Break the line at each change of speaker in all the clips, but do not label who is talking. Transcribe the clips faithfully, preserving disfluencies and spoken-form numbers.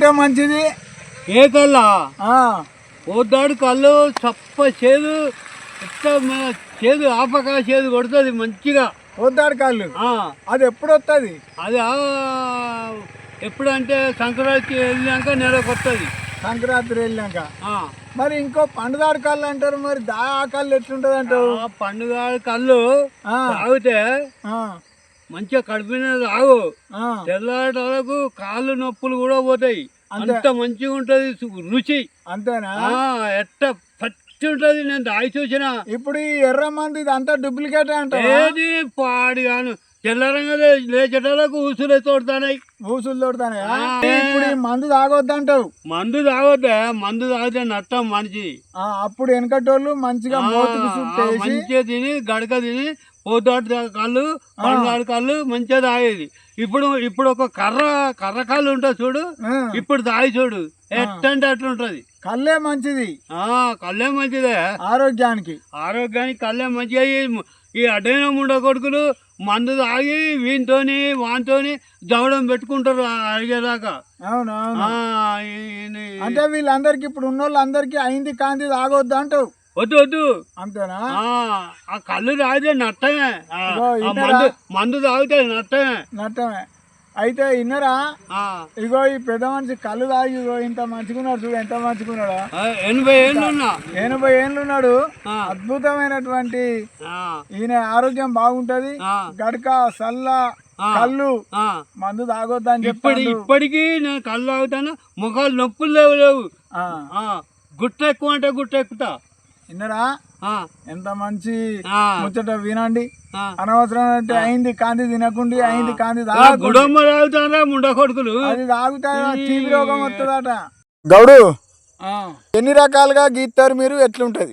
కళ్ళే మంచిది?
ఏ కళ్ళ? పోద్దాడు కళ్ళు చప్ప చేదు, చేదు ఆపక చేదు కొడుతుంది మంచిగా
పోద్దాడు కళ్ళు. అది ఎప్పుడు వస్తుంది?
అది ఎప్పుడంటే సంక్రాంతి వెళ్ళాక నెలకు వస్తుంది.
సంక్రాంతి వెళ్ళాక. మరి ఇంకో పండుగాడు కళ్ళు అంటారు, మరి దా కళ్ళు ఎట్లుంటది అంటారు?
పండుగాడు కళ్ళు తాగితే మంచిగా కడుపు మీద తాగు, తెల్లటి వరకు కాళ్ళు నొప్పులు కూడా పోతాయి. అంత మంచిగా ఉంటది రుచి. అంతేనా? ఎట్ట పచ్చి ఉంటది. నేను తాగి చూసిన. ఇప్పుడు ఈ ఎర్ర మంది అంతా డూప్లికేట్ అంట. ఏది పాడి గాను తెల్లరంగా లేచేటలకు ఊసులే తోడుతాయి. ఊసులు తోడుతాయి. ఇప్పుడు ఈ మందు తాగొద్దంటావు? మందు తాగొద్దా? మందు తాగితే నష్టం మనిషి. అప్పుడు వెనకటోళ్ళు మంచిగా మంచిగా తిని గడక తిని పోతాడు కళ్ళు, పండుగాడు కళ్ళు మంచిగా తాగేది. ఇప్పుడు ఇప్పుడు ఒక కర్ర కర్ర కళ్ళు ఉంటుంది చూడు, ఇప్పుడు తాగి చూడు ఎట్టంటే అట్లుంటది. కళ్ళే మంచిది. కళ్ళే మంచిదే ఆరోగ్యానికి. ఆరోగ్యానికి కళ్ళే మంచిగా. ఈ అడ్డైన ముండ కొడుకులు మందు తాగి వీనితోని వానితోని జవడం పెట్టుకుంటారు అడిగేదాకా. అవునవును. అంటే వీళ్ళందరికి ఇప్పుడు ఉన్న వాళ్ళందరికీ అయింది కాంతి తాగొద్దు అంటావు? వద్దు వద్దు. అంతేనా? ఆ కళ్ళు తాగితే నట్టమే. మందు మందు తాగితే నట్టమే నట్టమే. అయితే ఇన్నరా, ఇగో ఈ పెద్ద మనిషి కళ్ళు తాగి ఇగో ఇంత మంచిగున్నాడు చూడు, ఎంత మంచిగున్నాడు. ఎనభై ఏళ్ళు ఎనభై ఏళ్ళు ఉన్నాడు. అద్భుతమైనటువంటి ఈయన ఆరోగ్యం బాగుంటది. గడక సల్ల కళ్ళు మందు తాగొద్దని చెప్పి ఇప్పటికీ నేను కళ్ళు తాగుతాను. ముఖాలు నొప్పులు లేవు లేవు. గుట్ట ఎక్కువ అంటే గుట్ట ఎక్కుతా. విన్నరా, ఎంత మంచి ముచ్చట వినండి. అనవసరం అంటే అయింది కాంతి తినకుండి అయింది కాంతి తాగుతారా ముండ కొడుకులు. అది తాగుతా టీవీ రోగం వస్తుందట. గౌడు, ఎన్ని రకాలుగా గీస్తారు మీరు? ఎట్లుంటది?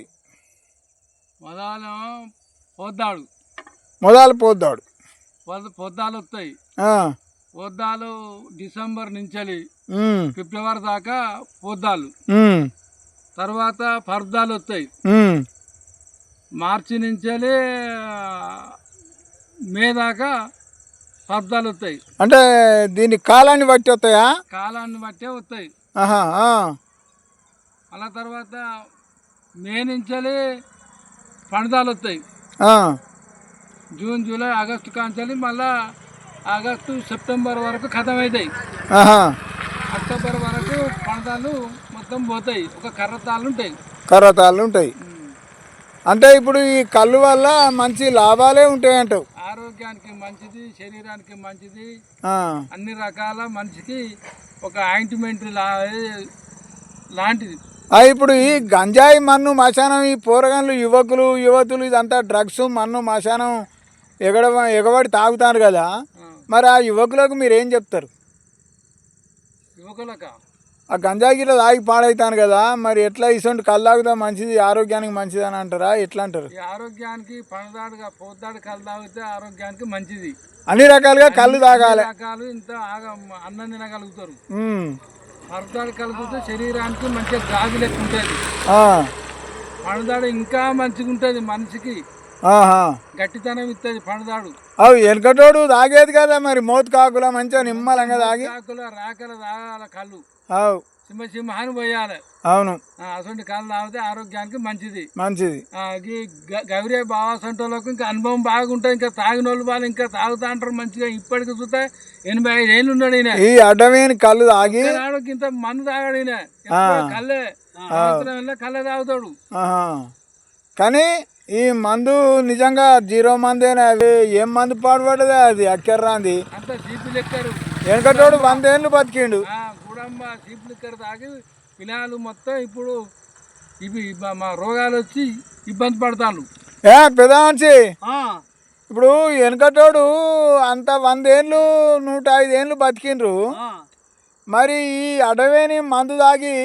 మొదలు పోద్దాడు
మొదలు పోద్దాడు
పొద్దాలు వస్తాయి. పొద్దాలు డిసెంబర్ నుంచి ఫిబ్రవరి దాకా పొద్దాలు. తర్వాత పర్దాలు వస్తాయి. మార్చి నుంచి మే దాకా పర్దాలు వస్తాయి.
అంటే దీని కాలాన్ని బట్టి వస్తాయా?
కాలాన్ని బట్టే వస్తాయి. అలా తర్వాత మే నుంచి పండుదాలు వస్తాయి. జూన్ జూలై ఆగస్టు కాంచాలి. మళ్ళా ఆగస్టు సెప్టెంబర్ వరకు ఖతం అవుతాయి. అక్టోబర్ వరకు పండుదాలు మొత్తం పోతాయి. ఒక కర్రతాళ్ళు ఉంటాయి. కర్రతాళ్ళు ఉంటాయి. అంటే ఇప్పుడు ఈ కళ్ళు వల్ల మంచి లాభాలే ఉంటాయి అంటావు? ఆరోగ్యానికి మంచిది, శరీరానికి మంచిది, అన్ని రకాల మనిషికి ఒక ఆయింట్మెంట్ లాంటిది.
ఇప్పుడు ఈ గంజాయి మన్ను మశానం, ఈ పోరగాన్లు యువకులు యువతులు ఇదంతా డ్రగ్స్ మన్ను మశానం ఎగడ ఎగబడి తాగుతారు కదా, మరి ఆ యువకులకు మీరు ఏం చెప్తారు?
యువకులక
ఆ గంజాయి గిట్ల తాగి పాడవుతాను కదా, మరి ఎట్లా ఇసొంటి కళ్ళు తాగుతా మంచిది ఆరోగ్యానికి మంచిది అని అంటారా? ఎట్లా అంటారు?
ఆరోగ్యానికి పండుదాడుగా పోద్దాడు కళ్ళు తాగితే ఆరోగ్యానికి మంచిది.
అన్ని రకాలుగా కళ్ళు తాగాలి.
రకాలు ఇంత అన్నం తినగలుగుతారు. పండుదాడు కలుగుతే శరీరానికి మంచిగా గాజు లెక్క ఉంటుంది. పండుదాడు ఇంకా మంచిగా ఉంటుంది మనిషికి, గట్టితనం ఇస్తుంది పండుదాడు.
అవి వెనకటోడు తాగేది కదా, మరి మోతు కాకుల మంచిగా నిమ్మలంగా తాగి
కాకుల రాకల తాగాల కళ్ళు.
అవు
సింహ సింహాన్ని పోయాలి.
అవును,
అటువంటి కళ్ళు తాగితే ఆరోగ్యానికి మంచిది
మంచిది.
గౌరీ బావా సొంటోళ్ళకు ఇంకా అనుభవం బాగుంటుంది. ఇంకా తాగిన వాళ్ళు వాళ్ళు ఇంకా తాగుతా అంటారు మంచిగా. ఇప్పటికి చూస్తే ఎనభై ఐదు ఏళ్ళు ఉన్నాడు ఈయన.
ఈ అడ్డమైన కళ్ళు తాగి
ఇంత మందు తాగాడు ఈయన. కళ్ళే కళ్ళే తాగుతాడు.
కానీ ఈ మందు నిజంగా జీరో మందేనా? అవి ఏం మందు పాడుపడదా? అది అక్కర్రాంది
అంత సీపు లెక్కరు.
వెనకటోడు వందేళ్ళు బతికిండు.
గుడమ్మ సీపు లెక్కరు తాగి పిల్లలు మొత్తం ఇప్పుడు ఇవి మా రోగాలు వచ్చి ఇబ్బంది పడతాను.
ఏ పెద్ద మనిషి, ఇప్పుడు వెనకటోడు అంత వందేళ్ళు నూట ఐదేళ్ళు బతికిండ్రు, మరి ఈ అడవేని మందు తాగి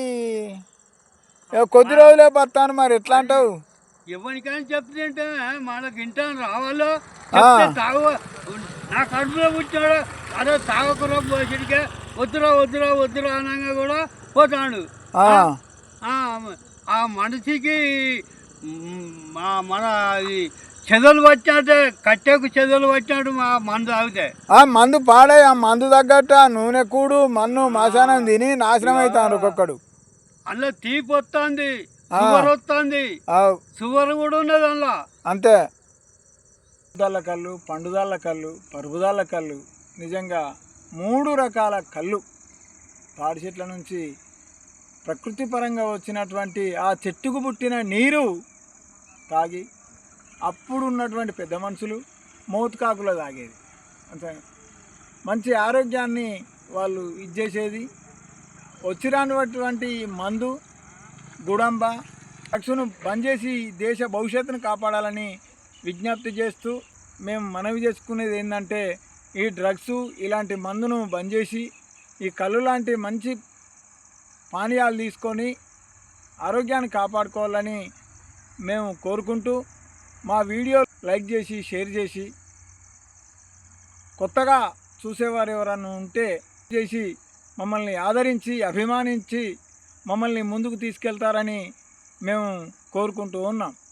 కొద్ది రోజులే బతాను, మరి ఎట్లా అంటావు?
ఎవరికైనా చెప్తుంటే మనకి ఇంటాను రావాలో తాగు. నా కడుపులో పుట్టాడు అదే తాగకురా పోసిడికే వద్దురా వద్దురా వద్దురా అనగా కూడా పోతాడు. ఆ మనిషికి మన చెదలు వచ్చినట్టే కట్టెకు చెదలు వచ్చినట్టు మా మందు తాగితే
ఆ మందు పాడే ఆ మందు తగ్గట్టు ఆ నూనె కూడు మన్ను మశానం తిని నాశనం అవుతాను ఒక్కొక్కడు.
అందులో తీపి వస్తుంది, షుగర్ వస్తుంది, షుగర్ కూడా ఉన్నది అందులో.
అంతే పరుగుదాళ్ళ కళ్ళు, పండుదాళ్ళ కళ్ళు, పరుగుదాళ్ళ కళ్ళు, నిజంగా మూడు రకాల కళ్ళు తాడి చెట్ల నుంచి ప్రకృతి పరంగా వచ్చినటువంటి ఆ చెట్టుకు పుట్టిన నీరు తాగి అప్పుడు ఉన్నటువంటి పెద్ద మనుషులు మోతుకాకులో తాగేది. అంతే మంచి ఆరోగ్యాన్ని వాళ్ళు ఇచ్చేసేది. వచ్చినటువంటి మందు గుడంబ డ్రగ్స్ను బంద్ చేసి దేశ భవిష్యత్తును కాపాడాలని విజ్ఞప్తి చేస్తూ మేము మనవి చేసుకునేది ఏంటంటే ఈ డ్రగ్స్ ఇలాంటి మందును బంద్ చేసి ఈ కళ్ళు లాంటి మంచి పానీయాలు తీసుకొని ఆరోగ్యాన్ని కాపాడుకోవాలని మేము కోరుకుంటూ మా వీడియో లైక్ చేసి షేర్ చేసి కొత్తగా చూసేవారు ఎవరన్నా ఉంటే చేసి మమ్మల్ని ఆదరించి అభిమానించి మమ్మల్ని ముందుకు తీసుకెళ్తారని మేము కోరుకుంటూ ఉన్నాం.